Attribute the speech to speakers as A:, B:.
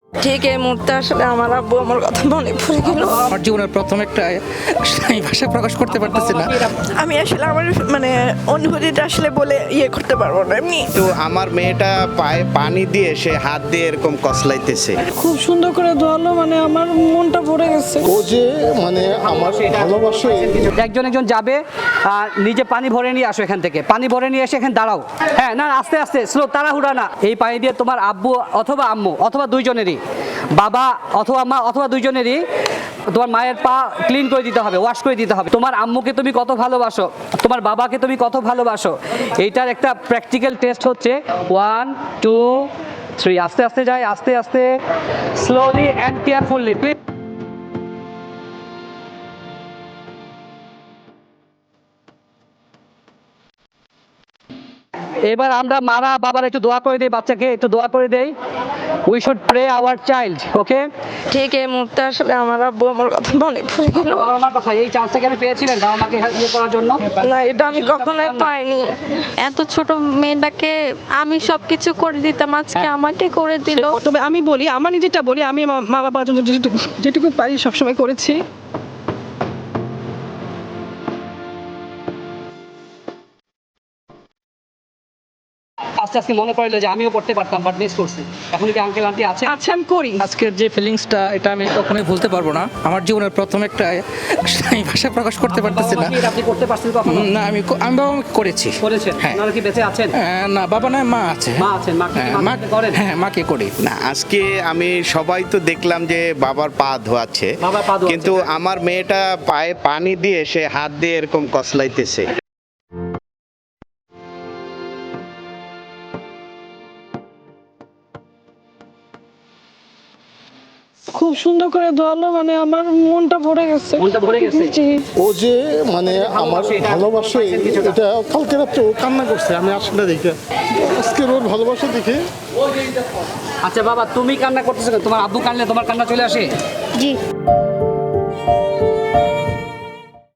A: ঠিক এই মুহূর্তে আসলে আমার আব্বু আমার কথা মনে পড়ে গেল।
B: আমার জীবনের প্রথম একটা আমি ভাষা প্রকাশ করতে পারতেছি না।
A: আমি আসলে আমার অনুভূতিটা আসলে বলে করতে পারবো না এমনি।
C: তো আমার মেয়েটা পায়ে পানি দিয়ে সে হাত দিয়ে এরকম কসলাইতেছে।
A: খুব সুন্দর করে ধোয়ালো, আমার মনটা ভরে গেছে।
D: ও যে আমার ভালোবাসে।
E: একজন একজন যাবে আর নিজে পানি ভরে নিয়ে আসো, এখান থেকে পানি ভরে নিয়ে এসে এখানে দাঁড়াও। হ্যাঁ, না আস্তে আস্তে স্লো, তাড়াহুড়া না। এই পানি দিয়ে তোমার আব্বু অথবা আম্মু অথবা দুইজনেরই, বাবা অথবা মা অথবা দুইজনেরই তোমার মায়ের পা ক্লিন করে দিতে হবে, ওয়াশ করে দিতে হবে। তোমার আম্মুকে তুমি কত ভালোবাসো, তোমার বাবাকে তুমি কত ভালোবাসো, এইটার একটা প্র্যাকটিক্যাল টেস্ট হচ্ছে। 1 2 3 আস্তে আস্তে যায়, আস্তে আস্তে, স্লোলি অ্যান্ড কেয়ারফুলি। এবার আমরা মারা বাবার একটু দোয়া করে দেই, বাচ্চাকে একটু দোয়া করে দেই। We should pray our child, okay?
A: ঠিক এই মুহূর্তে আসলে আমার আব্বু আমার কথা মনে পড়ে গেল।
E: আমার কথা, এই চান্সটা কেন পেয়েছিলেন বাবা মাকে হেল্প করার জন্য?
A: না, এটা আমি কখনোই পাইনি।
F: এত ছোট মেয়েটাকে আমি সবকিছু করে দিতাম, আজকে আমাকে করে দিল।
G: তবে আমি বলি, আমার নিজেরটা বলি, আমি আমার মা বাবার জন্য যেটুকু পারি সবসময় করেছি।
E: আস্তে আস্তে মনে পড়লো যে আমিও পড়তে পারতাম, বাট মিস করছি। এখন কি আঙ্কেল আন্টি আছে?
G: আচ্ছা, আমি করি।
B: আজকের যে ফিলিংসটা, এটা আমি কখনোই ভুলতে পারবো না। আমার জীবনের প্রথম একটা আমি ভাষা প্রকাশ করতে পারতেছি না।
E: আপনি করতে পারছেন কখনো?
B: না, আমি বাবা মাকে করেছি।
E: করেছেন?
B: হ্যাঁ।
E: আপনারা কি বেঁচে আছেন?
B: না, বাবা নয়, মা আছে।
E: মা আছেন, মাকে
B: হ্যাঁ,
E: মাকে করেন?
B: হ্যাঁ, মাকে করি।
C: না, আজকে আমি সবাই তো দেখলাম যে বাবার পা ধোয়াচ্ছে,
E: বাবার পা ধোয়াচ্ছে।
C: কিন্তু আমার মেয়েটা পায়ে পানি দিয়ে সে হাত দিয়ে এরকম কসলাইতেছে।
G: খুব সুন্দর করে ধোয়ালো, আমার মনটা ভরে গেছে।
E: মনটা ভরে গেছে?
G: জি।
D: ও যে আমার ভালোবাসে, এটা কালকে রাত্রে ও কান্না করছে। আমি আসলে দেখে আজকের ওর ভালোবাসা দেখে।
E: আচ্ছা বাবা, তুমি কান্না করতেছো কেন? তোমার আব্বু কানলে তোমার কান্না চলে আসে?
F: জি।